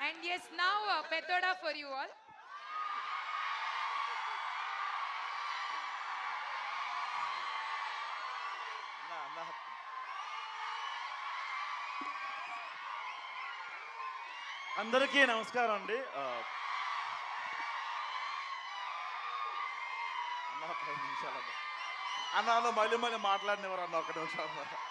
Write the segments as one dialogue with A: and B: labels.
A: And yes, now Petoda for you all.
B: అందరికీ నమస్కారం అండి. అన్న ఒక 5 నిమిషాలు అన్న మళ్ళీ మాట్లాడినవారు అన్న ఒక నిమిషం.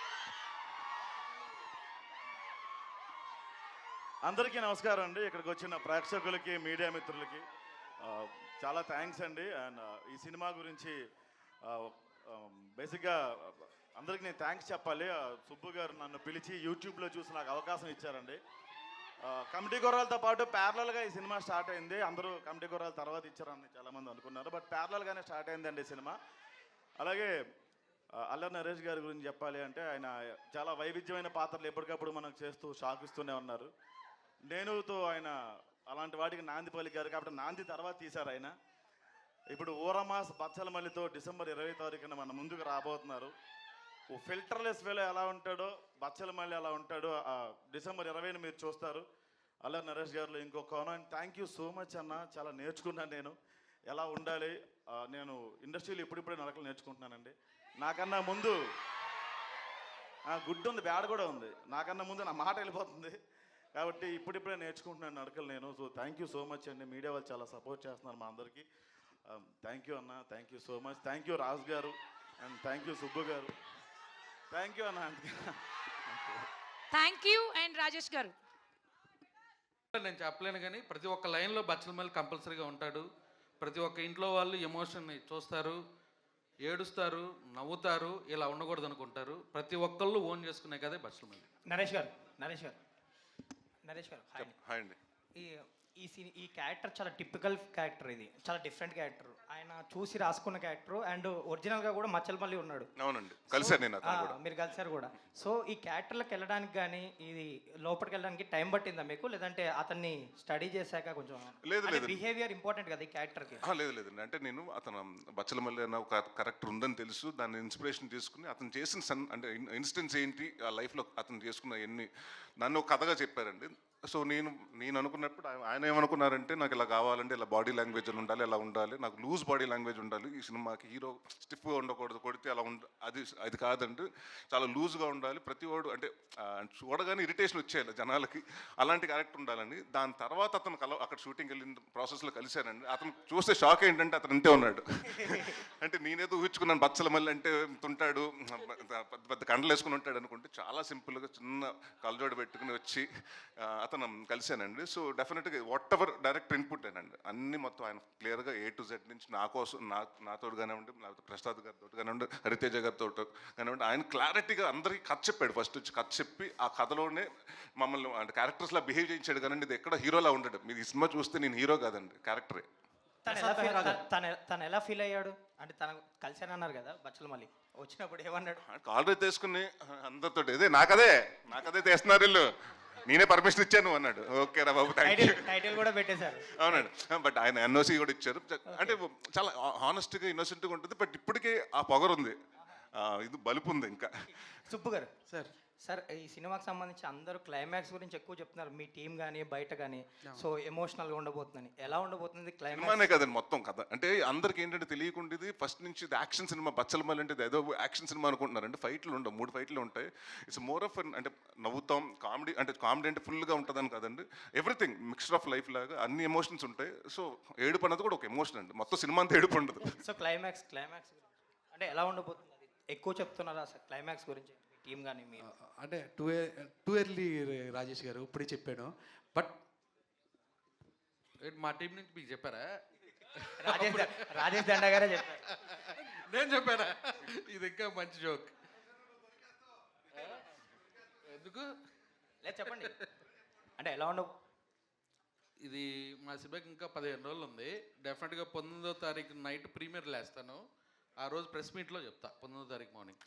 B: అందరికీ నమస్కారం అండి. ఇక్కడికి వచ్చిన ప్రేక్షకులకి, మీడియా మిత్రులకి చాలా థ్యాంక్స్ అండి. అండ్ ఈ సినిమా గురించి బేసిక్గా అందరికీ నేను థ్యాంక్స్ చెప్పాలి. సుబ్బు గారు నన్ను పిలిచి యూట్యూబ్లో చూసి నాకు అవకాశం ఇచ్చారండి. కమిటీ గుర్రాలతో పాటు ప్యారలల్గా ఈ సినిమా స్టార్ట్ అయింది. అందరూ కమిటీ గుర్రాల తర్వాత ఇచ్చారని చాలామంది అనుకున్నారు, బట్ ప్యారలల్గానే స్టార్ట్ అయిందండి ఈ సినిమా. అలాగే అల్లరి నరేష్ గారి గురించి చెప్పాలి అంటే ఆయన చాలా వైవిధ్యమైన పాత్రలు ఎప్పటికప్పుడు మనకు చేస్తూ షాక్ ఇస్తూనే ఉన్నారు. నేనుతో ఆయన అలాంటి వాటికి నాంది పలికారు కాబట్టి నాంది తర్వాత తీశారు ఆయన. ఇప్పుడు ఊరమాస్ బచ్చలమల్లితో డిసెంబర్ 20 తారీఖున మన ముందుకు రాబోతున్నారు. ఓ ఫిల్టర్లెస్ వేలో ఎలా ఉంటాడో బచ్చలమల్లి అలా ఉంటాడు. డిసెంబర్ 20ని మీరు చూస్తారు. అల్లరి నరేష్ గారిలో ఇంకో కోణం. థ్యాంక్ యూ సో మచ్ అన్న. చాలా నేర్చుకున్నాను నేను ఎలా ఉండాలి. నేను ఇండస్ట్రీలో ఇప్పుడిప్పుడే నడకలు నేర్చుకుంటున్నానండి. నాకన్నా ముందు గుడ్ ఉంది, బ్యాడ్ కూడా ఉంది. నాకన్నా ముందు నా మాట వెళ్ళిపోతుంది కాబట్టి ఇప్పుడిప్పుడే నేర్చుకుంటున్నాను నడకలు నేను. So thank you so much అండి. మీడియా వాళ్ళు చాలా సపోర్ట్ చేస్తున్నారు మా అందరికీ. థ్యాంక్ యూ అన్న. Thank you so much. Thank you Raju గారు అండ్ థ్యాంక్ యూ సుబ్బు గారు. థ్యాంక్ యూ అన్న.
A: Thank you and Rajesh garu.
C: నేను చెప్పలేను కానీ ప్రతి ఒక్క లైన్లో బచ్చలమల్లి కంపల్సరీగా ఉంటాడు. ప్రతి ఒక్క ఇంట్లో వాళ్ళు ఎమోషన్ని చూస్తారు, ఏడుస్తారు, నవ్వుతారు. ఇలా ఉండకూడదు అనుకుంటారు. ప్రతి ఒక్కళ్ళు ఓన్ చేసుకునే కదే బచ్చలమల్లి.
D: నరేష్ గారు
E: హాయ్ అండి.
D: ఈ క్యారెక్టర్ చాలా టిపికల్ క్యారెక్టర్. ఇది చాలా డిఫరెంట్ క్యారెక్టర్. ఆయన చూసి రాసుకున్న క్యారెక్టర్ అండ్ ఒరిజినల్గా కూడా మచ్చలమల్లి ఉన్నాడు.
E: అవునండి, కలిసాను నేను.
D: మీరు కలిసారు కూడా. సో ఈ క్యారెక్టర్లకు వెళ్ళడానికి కానీ ఇది లోపలికి వెళ్ళడానికి టైం పట్టిందా మీకు, లేదంటే అతన్ని స్టడీ చేశాక కొంచెం? లేదు, బిహేవియర్ ఇంపార్టెంట్ కదా ఈ క్యారెక్టర్కి.
E: లేదండి, అంటే నేను అతను బచ్చలమల్లి అన్న ఒక కరెక్టర్ ఉందని తెలుసు. దాన్ని ఇన్స్పిరేషన్ తీసుకుని అతను చేసిన అంటే ఇన్సిడెంట్స్ ఏంటి ఆ లైఫ్లో అతను చేసుకున్న ఎన్ని నన్ను ఒక కథగా చెప్పారండి. సో నేను అనుకున్నప్పుడు ఆయన ఏమనుకున్నారంటే నాకు ఇలా కావాలంటే ఇలా బాడీ లాంగ్వేజ్ ఉండాలి, ఇలా ఉండాలి, నాకు లూజ్ బాడీ లాంగ్వేజ్ ఉండాలి, ఈ సినిమాకి హీరో స్టిఫ్గా ఉండకూడదు, కొడితే అలా అది కాదండి, చాలా లూజ్గా ఉండాలి, ప్రతి వాడు అంటే చూడగానే ఇరిటేషన్ వచ్చేయాలి జనాలకి, అలాంటి క్యారెక్టర్ ఉండాలని. దాని తర్వాత అతను అక్కడ షూటింగ్ వెళ్ళిన ప్రాసెస్లో కలిశానండి. అతను చూస్తే షాక్ ఏంటంటే అతను ఇంతే ఉన్నాడు. అంటే నేనేదో ఊహించుకున్నాను బచ్చలమల్లి అంటే ఉంటాడు, పెద్ద కండలు వేసుకుని ఉంటాడు అనుకుంటే చాలా సింపుల్గా చిన్న కళ్ళజోడు పెట్టుకుని వచ్చి అతను కలిశానండి. సో డెఫినెట్గా వాట్ ఎవర్ డైరెక్టర్ ఇన్పుట్ అండి అన్ని మొత్తం ఆయన క్లియర్గా A to Z నుంచి నా కోసం నాతో కానివ్వండి, లేకపోతే ప్రసాద్ గారితో కానివ్వండి, హరితేజ గారితో కానివ్వండి, ఆయన క్లారిటీగా అందరికీ కథ చెప్పాడు. ఫస్ట్ వచ్చి కథ చెప్పి ఆ కథలోనే మమ్మల్ని అంటే క్యారెక్టర్స్లా బిహేవ్ చేయించాడు. కానీ ఇది ఎక్కడ హీరోలా ఉండడు. మీరు ఈ సినిమా చూస్తే నేను హీరో కాదండి, క్యారెక్టరే.
D: తను ఎలా ఫీల్ అయ్యాడు అంటే తను కలిసానన్నారు కదా బచ్చలమల్లి, వచ్చినప్పుడు ఏమన్నాడు?
E: ఆల్రెడీ తీసుకుని అందరితో ఇదే నాకదే తీస్తున్నారు వీళ్ళు, నేనే పర్మిషన్ ఇచ్చాను అన్నాడు. ఓకే రా బాబు,
D: టైటిల్ కూడా పెట్టేశారు.
E: అవునండి, బట్ ఆయన NOC కూడా ఇచ్చారు. అంటే చాలా హానెస్ట్గా ఇన్నోసెంట్గా ఉంటుంది. బట్ ఇప్పటికే ఆ పొగరు ఉంది, ఇది బలుపు ఉంది ఇంకా.
D: సుబ్బు గారు సార్ ఈ సినిమాకి సంబంధించి అందరూ క్లైమాక్స్ గురించి ఎక్కువ చెప్తున్నారు, మీ టీం కానీ బయట కానీ. సో ఎమోషనల్గా ఉండబోతుందని, ఎలా ఉండబోతుంది
E: సినిమానే కదండి మొత్తం కథ. అంటే అందరికి ఏంటంటే తెలియకుండా ఫస్ట్ నుంచి ఇది యాక్షన్ సినిమా. బచ్చలమల్లి అంటే ఏదో యాక్షన్ సినిమా అనుకుంటున్నారు. అంటే ఫైట్లు ఉండవు, 3 ఫైట్లు ఉంటాయి. ఇట్స్ మోర్ ఆఫ్ అంటే నవ్వుతాం, కామెడీ అంటే ఫుల్గా ఉంటుందని కదండి. ఎవ్రీథింగ్ మిక్స్చర్ ఆఫ్ లైఫ్ లాగా అన్ని ఎమోషన్స్ ఉంటాయి. సో ఏడుపు అన్నది కూడా ఒక ఎమోషన్ అండి, మొత్తం సినిమా అంతా ఏడుపు ఉండదు.
D: సో క్లైమాక్స్ అంటే ఎలా ఉండబోతుంది? అది ఎక్కువ చెప్తున్నారా అసలు క్లైమాక్స్ గురించి టీం కానీ మీరు?
F: అంటే టూ ఎర్లీ రాజేష్ గారు ఇప్పుడే చెప్పాను. బట్
C: మా టీం నుంచి మీకు చెప్పారా?
D: రాజేష్ దండ గారే చెప్పారు.
C: నేను చెప్పారా? ఇది ఇంకా మంచి జోక్. ఎందుకు
D: లేదు చెప్పండి. అంటే ఎలా ఉండవు?
C: ఇది మా సినిమాకి ఇంకా 15 రోజులు ఉంది. డెఫినెట్గా 19వ తారీఖు నైట్ ప్రీమియర్ లేస్తాను. ఆ రోజు ప్రెస్ మీట్లో చెప్తా, 19వ తారీఖు మార్నింగ్.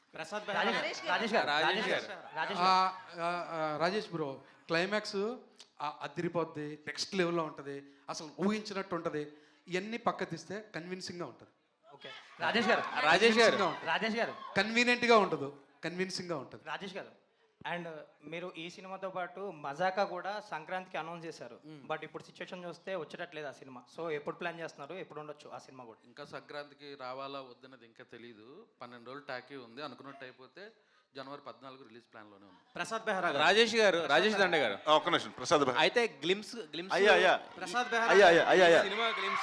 F: రాజేష్ బ్రో క్లైమాక్స్ అదిరిపోద్ది, నెక్స్ట్ లెవెల్లో ఉంటుంది, అసలు ఊహించినట్టు ఉంటుంది. ఇవన్నీ పక్క తీస్తే కన్విన్సింగ్గా ఉంటుంది.
D: ఓకే రాజేష్ గారు కన్వీనియంట్గా ఉండదు, కన్విన్సింగ్గా ఉంటుంది. రాజేష్ గారు అండ్ మీరు ఈ సినిమాతో పాటు మజాకా కూడా సంక్రాంతికి అనౌన్స్ చేశారు, బట్ ఇప్పుడు సిచ్యువేషన్ చూస్తే వచ్చేటట్లేదు ఆ సినిమా. సో ఎప్పుడు ప్లాన్ చేస్తున్నారు, ఎప్పుడు ఉండొచ్చు ఆ సినిమా కూడా?
C: ఇంకా సంక్రాంతికి రావాలా వద్దన్నది ఇంకా తెలియదు. 12 రోజులు టాకీ ఉంది. అనుకున్నట్టు అయిపోతే జనవరి 14 రిలీజ్ ప్లాన్లోనే ఉంది.
G: ప్రసాద్ బెహ్రా గారు.
H: రాజేష్ దండ గారు
E: ఒక్క నిమిషం ప్రసాద్ భాయ్.
H: అయితే గ్లిమ్స్
B: అయ్యా
G: ప్రసాద్ బెహ్రా
B: అయ్యా అయ్యా అయ్యా అయ్యా
H: సినిమా గ్లిమ్స్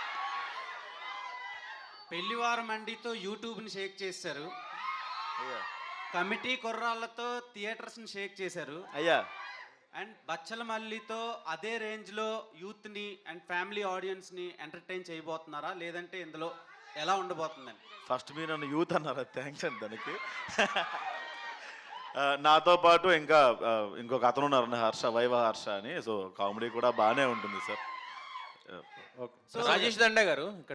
G: పెళ్లివారం మండితో యూట్యూబ్ని షేక్ చేశారు, కమిటీ కుర్రాళ్ళతో థియేటర్స్ని షేక్ చేశారు,
B: అయ్యా
G: అండ్ బచ్చల మల్లితో అదే రేంజ్లో యూత్ని అండ్ ఫ్యామిలీ ఆడియన్స్ని ఎంటర్టైన్ చేయబోతున్నారా, లేదంటే ఇందులో ఎలా ఉండబోతుందని?
B: ఫస్ట్ మీరు నన్ను యూత్ అన్నారు, థ్యాంక్స్ అండి దానికి. నాతో పాటు ఇంకా ఇంకొక అతను ఉన్నారు హర్ష, వైవ హర్ష అని. సో కామెడీ కూడా బాగానే ఉంటుంది సార్.
H: రాజేష్ దండ గారు